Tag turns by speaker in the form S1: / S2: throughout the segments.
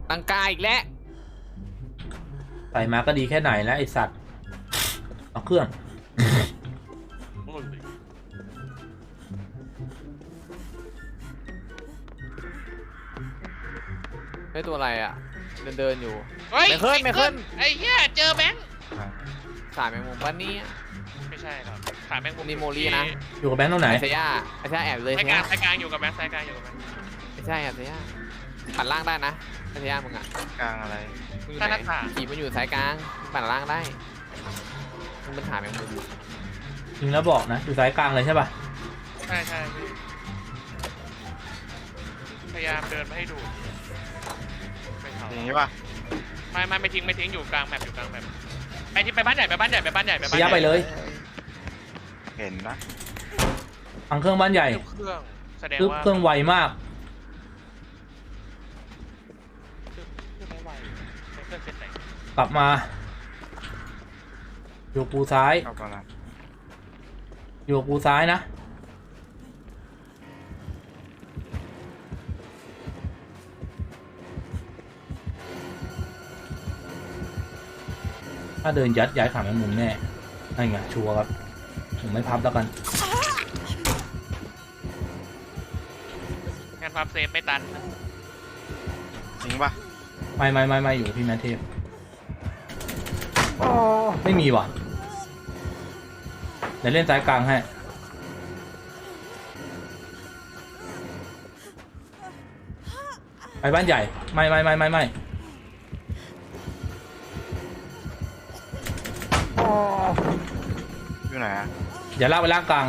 S1: ตังกาอีกแล้ว
S2: ใส่มาก็ดีแค่ไหนแล้วไอสัตว์เอาเครื่อง
S1: ไม่ตัวอะไรอ่ะเดินอยู่
S3: เฮ้ย
S1: ไม่ขึ้น
S3: ไอ้เหี้ยเจอแบงค์
S1: สายแมงมุมปะเนี่ย
S3: ไม่ใช่ครับขาแมงมุม
S1: นี่โมลี่นะ
S2: อยู่กับแบงค์ตรงไหน
S1: ไอ้เสียแอบเลย
S3: สาย
S1: เสี
S3: ก
S1: ย
S3: ลางอยู่กับแบงค์สายกลางอยู่กับแบงค์
S1: ไม่ใช่แอบเสียปั่นล่างได้นะไอ้เสียมึงอ่ะ
S4: กลางอะไร
S1: มึงอยู่ไหนขี่มันอยู่สายกลางปั่นล่างได้มึงเป็นขาแมงมุม
S2: จริงแล้วบอกนะอยู่สายกลางเลยใช่ป่ะ
S3: ใช่พี่พยายามเดินมาให้ดู
S4: อย่างนี้ป่ะ
S3: ไม่ทิ้งอยู่กลางแมปไปที่ไปบ้านใหญ่
S2: ยับไปเลย
S4: เห็นนะ
S2: ฟังเครื่องบ้านใหญ่
S3: เครื่องแสดงว่า
S2: เครื่องไวมากกลับมาอยู่กูซ้ายอยู่กูซ้ายนะถ้าเดินยัดย้ายขาแมงมุมแน่นั่นไงชัวร์ครับผมไม่พับแล้วกัน
S3: งานพับเซฟไม่ตัน
S4: จริงป่ะ
S2: ไม่อยู่พี่แมทเทพไม่มีว่ะเดี๋ยวเล่นสายกลางให้ไปบ้านใหญ่ไม่
S4: อยู่ไหนอะ
S2: อย่าลากไปล่างกลาง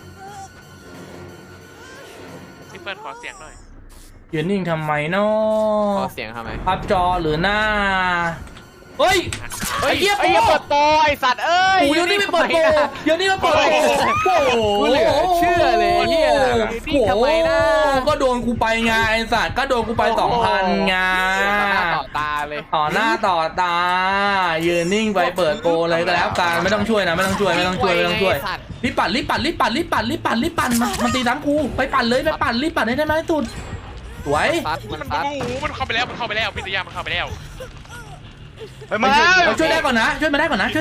S3: พี่เฟิร์นขอเสียงหน่อย
S2: ยืนนิ่งทำไมเนาะ
S1: ขอเสียงทำไม
S2: พับจอหรือหน้าเฮ้ย
S1: ไอ้เหี้ยเปิดโปรไอ้สัตว์เอ้ย
S2: เดี๋ยวนี้ไม่เปิดโปรเดี๋ยวนี้มาเปิดโปรโอ้โห
S1: เหลือเชื่อเลยเหี้ยทำไมนะ
S2: ก็โดนกูไปไงไอ้สัตว์ก็โดนกูไป 2,000 ไง
S1: ต่อตาเลย
S2: ต่อหน้าต่อตายืนนิ่งไปเปิดโปรเลยก็แล้วกันไม่ต้องช่วยนะไม่ต้องช่วยรีบปั่นมันตีน้ำกูไปปั่นเลยไปปั่นรีบปั่นให้ได้ไหมสุดสวย
S3: มันเข้าไปแล้วพิทยามันเข้าไปแล้ว
S4: มา
S2: ช่วยได้ก่อนนะช่วยมาได้ก่อนนะ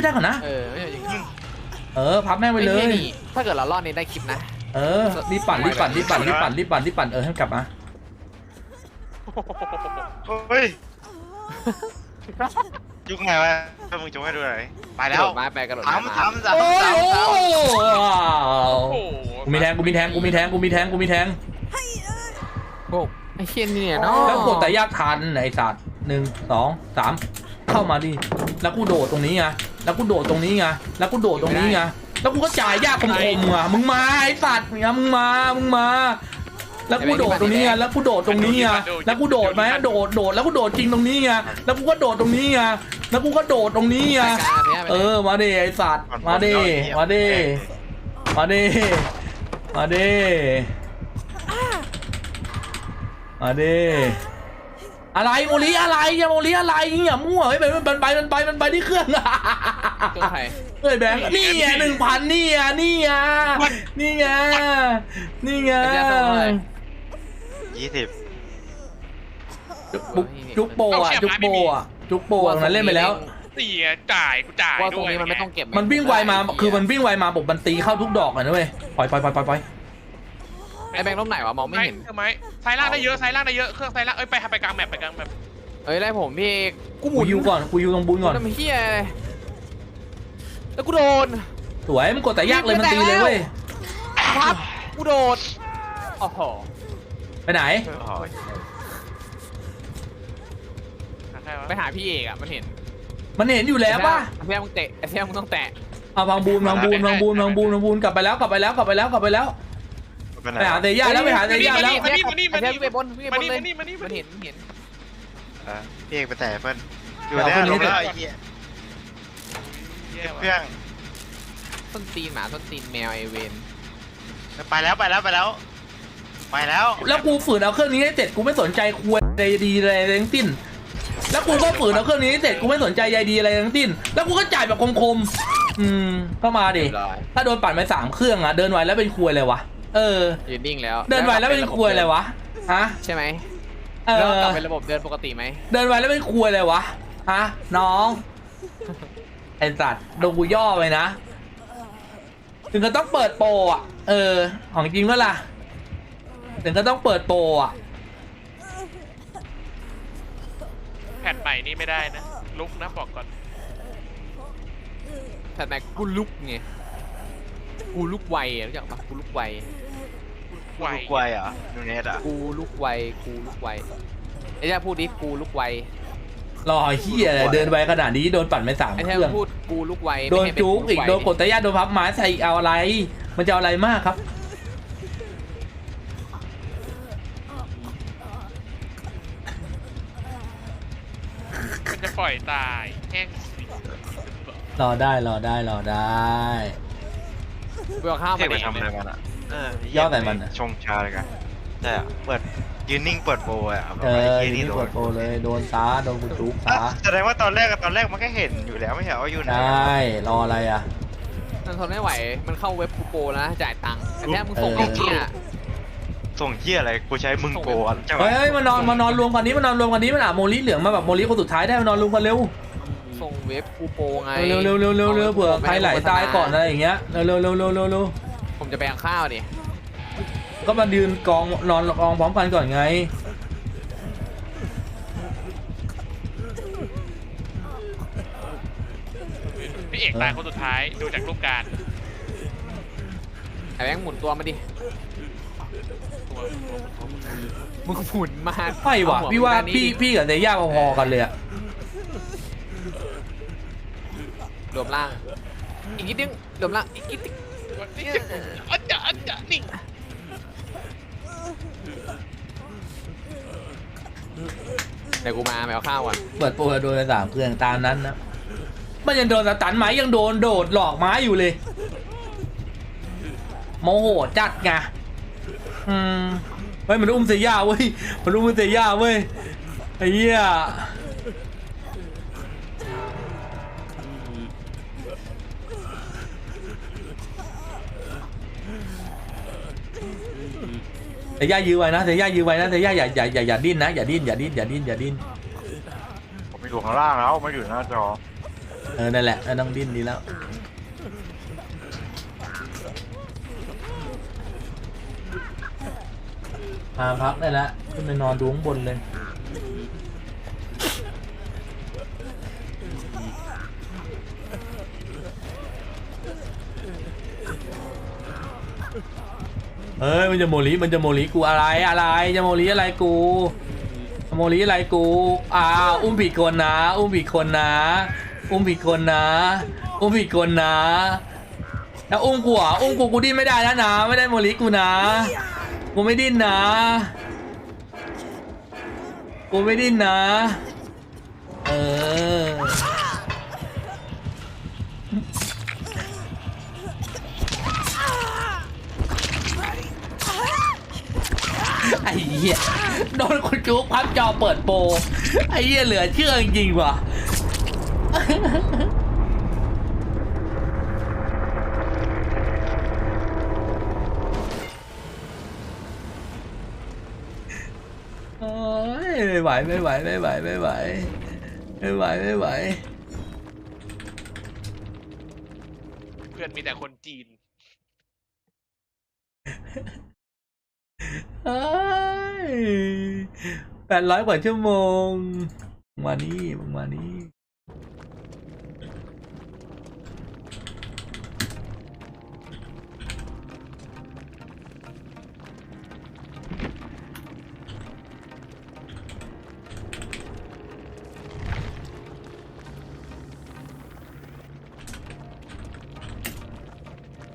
S2: พับแม่ไปเลย
S1: ถ้าเกิดเรารอดนี้ได้คลิปนะ
S2: รีบปั่นให้กลับมา
S4: เฮ้ยยุกไงวะถ้ามึงจะให้ดูอะไรไปแล้ว
S1: ไปกระโดด
S4: ทำ
S2: กูมีแทงโ
S1: อ้ไอ้เชี่ยนี่เนาะ
S2: แล้วกดแต่ยากทันไอ้สัตว์1 2 3เข้ามาดิแล้วกูโดดตรงนี้ไงแล้วกูก็จ่ายยากคมอ่ะมึงมาไอ้สัตว์เนี่ยมึงมาแล้วกูโดดตรงนี้ไงแล้วกูโดดตรงนี้ไงแล้วกูโดดไหมโดดแล้วกูโดดจริงตรงนี้ไงแล้วกูก็โดดตรงนี้ไงมาดิไอ้สัตว์มาดิอะไรโมลีอะไรอย่ามั่วเฮ้ยมันไปที่เครื่อง
S1: ตัวใคร
S2: เฮ้ยแบงค์นี่ไง 1,000นี่ไง
S4: 20
S2: จุกโปนั้นเล่นไปแล้ว
S3: จ่ายด้วย
S1: มันไม่ต้องเก็บ
S2: มันวิ่งไวมาคือมันวิ่งไวมาบอกมันตีเข้าทุกดอกเลยนะเว้ยปล่อย
S1: ไอ้แบงค์ล้มไหนวะมองไม่เห็น
S3: ใช่ไหมซ้ายล่างได้เยอะเครื่องซ้ายล่างไปกลางแมป
S1: ไล่ผมพี่
S2: กูยูก่อนกูยูตรงบุญก่อน
S1: ทำเฮียแล้วกูโดน
S2: สวยมันกดแต่ยากเลยมันตีเลยเว้ย
S1: ครับกูโดดโอ้โห
S2: ไปไหน
S1: ไปหาพี่เอกอะมันเห็น
S2: อยู่แล้วป่ะ
S1: เพื่อนมึงเตะเพื่อนมึงต้องแตะ
S2: เอาพังบูนกลับไปแล้วไปหาเตย่าแล้ว
S1: พี่ไปบนมันเห็น
S4: พี่เอกไปแต่เพิ่นอยู่แล้วลงแล้วไอ้เหี้ยเครื่อง
S1: ต้นตีนหมาต้นตีนแมวไอเวน
S4: ไปแล้ว
S2: แล้วกูฝืนเอาเครื่องนี้ให้เสร็จกูไม่สนใจคุยใยดีอะไรทั้งสิ้นแล้วกูก็ฝืนเอาเครื่องนี้ให้เสร็จกูไม่สนใจใยดีอะไรทั้งสิ้นแล้วกูก็จ่ายแบบคมเข้ามาดิถ้าโดนปั่นไป3 เครื่องอะเดินไวแล้วเป็นคุยเลยวะ
S1: ยืนนิ่งแล้ว
S2: เดินไวแล้วเป็นคุยเลยวะฮะ
S1: ใช่ไหมแล้วกลับเป็นระบบเดินปกติไหม
S2: เดินไปแล้วไม่คุยเลยวะฮะน้องไอ้สัตว์โดนกูย่อไปนะ ถึงก็ต้องเปิดโปรอ่ะของจริงก็ล่ะถึงก็ต้องเปิดโปรอ่ะ
S3: แผ่นใหม่นี่ไม่ได้นะลุกนะบอกก่อน
S1: แต่แม็กกูลุกไงกูลุกไวรู้จักปะกูลุกไว
S3: ไว
S4: ลูกไวเหรอ่ะนูเนสอ่ะ
S1: กูลุกไวกูลุกไวไอ้เจ้าพูดดิกูลุกไว
S2: รอเฮียอะไรเดินไปขนาดนี้โดนปั่นไป3
S1: ไอ้
S2: เค
S1: เจ้า
S2: รื่อง
S1: พูดกูลุกไว
S2: โดน
S1: ไม่ให้เป็
S2: จุกอีก
S1: ไว
S2: โดนกดตะย่าโดนพับไม้ใส่อีกเอาอะไร มันจะเอาอะไรมากครับ
S3: มันจะปล่อยตายแห้งสิ
S2: รอได้รอได้รอได้
S1: เบื่อข้าว
S4: เที่
S1: มา
S4: ยวไป
S1: ดิ
S4: ทำอะไรมันอ่ะ
S2: ย่อใส่มันอะ
S4: ชงชาเลยกันใช่อะเปิดยืนนิ่งเปิดโปรอ่ะแบบ
S2: เอ
S4: ไอ้
S2: อ
S4: เหี้ย
S2: นี่
S4: นี่โด
S2: ก
S4: น
S2: ดโปรเลยโดนตาโดนกูจุกตา
S4: แสดงว่าตอนแรกมันก็เห็นอยู่แล้วไม่ใช่ว่าอยู่ไหน
S2: ใช่รออะไรอ่ะ
S1: มันทนไม่ไหวมันเข้าเว็บกูโปรแล้วจ่ายตังค์แต่แค่มึงส่งไอ้เนี่ย
S4: ส่งเหี้ยอะไรกูใช้มึงโกอ่ะใช่ไหม
S2: เฮ้ยมานอนรวมกันนี้มันอ่ะโมลิเหลืองมาแบบโมลิคนสุดท้ายได้มานอนรวมกันเร็ว
S1: ส่งเว็บกูโปรไง
S2: เร็วเผื่อใครไหลตายก่อนอะไรอย่างเงี้ยเร็ว
S1: ผมจะไปเอาข้าวดิ
S2: ก็มายืนกองนอนกองพร้อมกันก่อนไง
S3: พี่เอกตายคนสุดท้ายดูจากรูปการ
S1: ไอ้แบงค์หมุนตัวมาดิ
S3: ตัว
S1: มึงหมุนมา
S2: ไม่ว่ะ
S1: เอหั
S2: พี่ว่า
S1: ไปด้นนี้ดิ
S2: พี่กับเซย่าพอๆกันเลยอะ
S1: รวมล่างอีกนิดนึงรวมล่างอีกนิดนึง
S3: นี่จะอันจะนี่
S1: เดี๋ยวกูมาไปเอาข้าวก่อน
S2: เปิดโปรโดนไป3 เครื่องตามนั้นนะมันยังโดนสตันไม้ยังโดนโดดหลอกไม้อยู่เลยโมโหจัดไงเฮ้ยมันอุ้มเซย่าเว้ยมันอุ้มเซย่าเว้ยไอ้เหี้ยเซย่ายื้อไว้นะเซย่ายื้อไว้นะเซย่าอย่าดิ้นนะอย่าดิ้น
S4: ผมไปดูข้างล่างแล้วไม่อยู่หน้าจอ
S2: นั่นแหละต้องดิ้นดีแล้วมาพักได้แล้วขึ้นไปนอนดูข้างบนเลยเฮ้ยมันจะโมลิกูอะไรจะโมลิอะไรกูอุ้มผิดคนนะแล้วอุ้มกูอ่ะกูดิ้นไม่ได้แล้วนะไม่ได้โมลิกูนะกูไม่ดิ้นนะไอ้เหี้ยโดนคนจุกพับจอเปิดโปรไอ้เหี้ยเหลือเชื่อจริงๆว่ะโอ้ยไม่ไหวเ
S3: พื่อนมีแต่คนจีน
S2: 800 กว่าชั่วโมงมานี่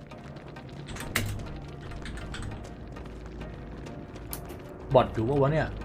S2: บอทอยู่ปะวะเนี่ย